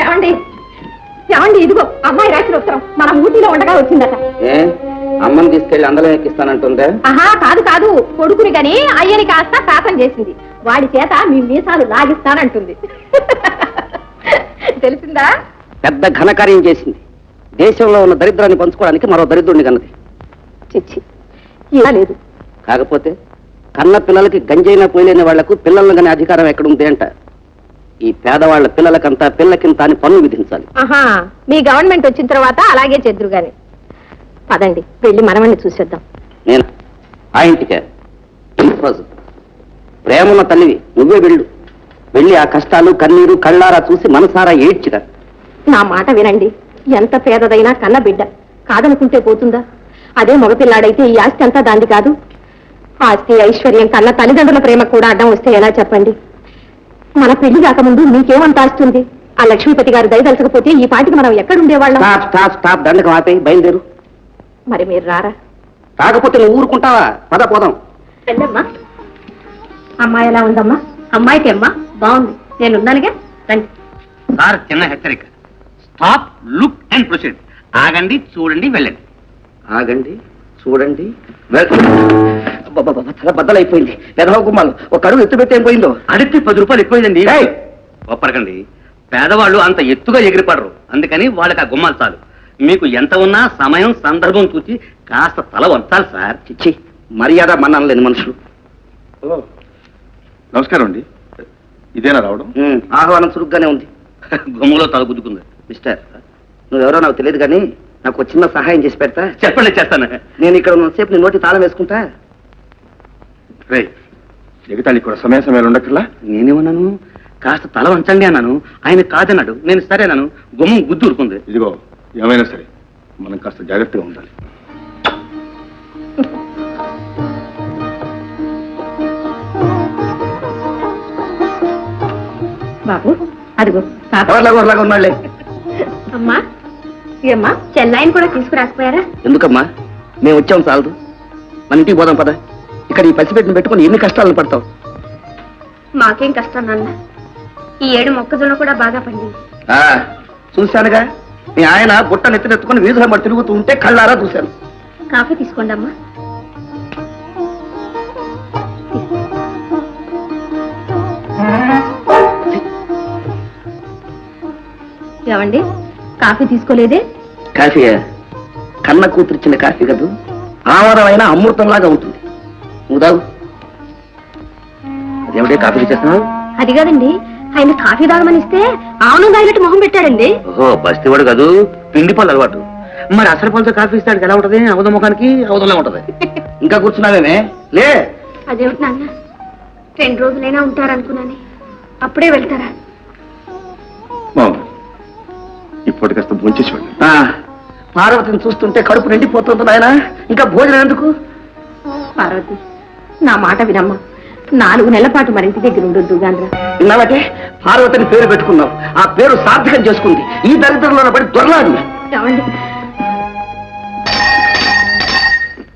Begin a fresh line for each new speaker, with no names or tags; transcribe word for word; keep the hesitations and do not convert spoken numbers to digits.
ఏమండి ఏమండి ఇదిగో అమ్మాయి రాసిన ఉత్తరం మన ఊటీలో ఉండగా వచ్చిందట.
అమ్మని తీసుకెళ్లి అందరం ఎక్కిస్తానంటుందే?
ఆహా కాదు కాదు, కొడుకుని గని అయ్యని కాస్త శాపం చేసింది. వాడి చేత మీ మీసాలు లాగిస్తానంటుంది. తెలిసిందా?
పెద్ద ఘనకార్యం చేసింది. దేశంలో ఉన్న దరిద్రాన్ని పంచుకోవడానికి మరో దరిద్రుడిని కన్నది.
చిచ్చి ఇలా లేదు.
కాకపోతే కన్న పిల్లలకి గంజైనా పోయలేని వాళ్లకు పిల్లలను కానీ అధికారం ఎక్కడుంది అంట. ఈ పేదవాళ్ల పిల్లలకంతా పిల్లకింత అని పన్ను విధించాలి.
ఆహా మీ గవర్నమెంట్ వచ్చిన తర్వాత అలాగే చెద్దురు గాని. పదండి వెళ్ళి మనమని చూసేద్దాం.
నేను ఆ ఇంటికే రోజు ప్రేమన్న తల్లివి, నువ్వే వెళ్ళు. వెళ్ళి ఆ కష్టాలు కన్నీరు కళ్ళారా చూసి మనసారా ఏడ్చిరా.
నా మాట వినండి. ఎంత పేదదైనా కన్న బిడ్డ కాదనుకుంటే పోతుందా? అదే మగపిల్లాడైతే ఈ ఆస్తి అంతా దాంది కాదు. ఆస్తి ఐశ్వర్యం కన్నా తల్లిదండ్రుల ప్రేమ కూడా అడ్డం వస్తే ఎలా చెప్పండి? మన పెళ్లి కాకముందు మీకేమంత ఆస్తుంది? ఆ లక్ష్మీపతి గారు దయదలచకపోతే ఈ పాటికి మనం ఎక్కడుండేవాళ్ళం?
దండకం ఆపేయి, బయలుదేరు.
మరి మీరు రారా?
కాకపోతే నువ్వు ఊరుకుంటావా? పద పోదాం.
వెళ్ళమ్మా. అమ్మాయి ఎలా ఉందమ్మా? అమ్మాయికి అమ్మా బాగుంది, నేనున్నానుగా. రండి.
సార్ చిన్న హెచ్చరిక. Stop, look and proceed. ఆగండి, చూడండి, వెళ్ళండి.
ఆగండి, చూడండి, తల బద్దలైపోయింది. పెదవ గుమ్మాలు ఒక అడుగు ఎత్తు పెట్టి ఏం పోయిందో.
అడిగి పది రూపాయలు ఎక్కువైందండి. ఒప్పరకండి, పేదవాళ్ళు అంత ఎత్తుగా ఎగిరిపడరు. అందుకని వాళ్ళకి ఆ గుమ్మాలు చాలు. మీకు ఎంత ఉన్నా సమయం సందర్భం చూసి కాస్త తల వంచాలి సార్.
చిచ్చి, మర్యాద మన్నాను లేని మనుషులు.
నమస్కారం అండి. ఇదేనా రావడం?
ఆహ్వానం చురుగ్గానే ఉంది.
గుమ్మలో తల గుద్దుకుంది.
మిస్టర్, నువ్వెవరో నాకు తెలియదు కానీ నాకు చిన్న సహాయం చేసి పెడతా?
చెప్పండి, చేస్తాను.
నేను ఇక్కడ ఉన్నసేపు నీ నోటి తాళం వేసుకుంటా.
రే ఎగతాళి కూడా సమయ సమయాలు ఉండక్కర్లా.
నేనేమన్నాను? కాస్త తల వంచండి అన్నాను. ఆయన కాదన్నాడు. నేను సరేనాను. గుమ్మం గుద్దు ఊరుకుంది.
ఇదిగో ఏమైనా సరే మనం కాస్త జాగ్రత్తగా ఉండాలి.
బాబు అదిగో
ఎవరిలాగా ఉన్నాళ్లే.
అమ్మా ఏమ్మా, చెన్నైని కూడా తీసుకురాకపోయారా?
ఎందుకమ్మా, మేము వచ్చాం చాలదు. మన ఇంటికి పోదాం పద. ఇక్కడ ఈ పసిపెట్టిన పెట్టుకుని ఎన్ని కష్టాలను పడతావు?
మాకేం కష్టం నాన్న. ఈ ఏడు మొక్కజొన్న కూడా బాగా పండింది.
చూశానుగా, మీ ఆయన బుట్ట నెత్తినెత్తుకుని వీధుల మరి తిరుగుతూ ఉంటే కళ్ళారా చూశాను.
కాఫీ తీసుకోండి అమ్మా. ఏమండి, కాఫీ తీసుకోలేదే?
కాఫీ కన్న కూతురిచ్చిన కాఫీ కదూ, ఆమరమైన అమృతంలాగా ఉంటుంది. నువ్వు తాగు. అదేమిటే కాఫీ చేస్తున్నావు?
అది కాదండి, ఆయన కాఫీ తాగమని ఇస్తే ఆవును తాగినట్టు మొహం పెట్టాడండి.
ఓహో, బస్తీవాడు కాదు, పిండి పళ్ళు అలవాటు.
మరి అసలు పళ్ళతో కాఫీ ఇస్తాడు ఎలా ఉంటది? అవధ ముఖానికి అవధంలో ఉంటది.
ఇంకా కూర్చున్నావేమే? లే.
అదేమిటి నాన్న, రెండు రోజులైనా ఉంటారనుకున్నాను, అప్పుడే వెళ్తారా?
ఇప్పటి కాస్త భోంచేసేవాడు.
పార్వతిని చూస్తుంటే కడుపు నిండిపోతుంది నాయన, ఇంకా భోజనం ఎందుకు?
పార్వతి, నా మాట వినమ్మా. నాలుగు నెలల పాటు మరి ఇంటి దగ్గర ఉండొద్దు గాంధ్ర.
విన్నావటే, పార్వతిని పేరు పెట్టుకున్నావు. ఆ పేరు సార్థకం చేసుకుంది. ఈ దరిద్రంలో పడి దొరలాడు.
ఏమండి,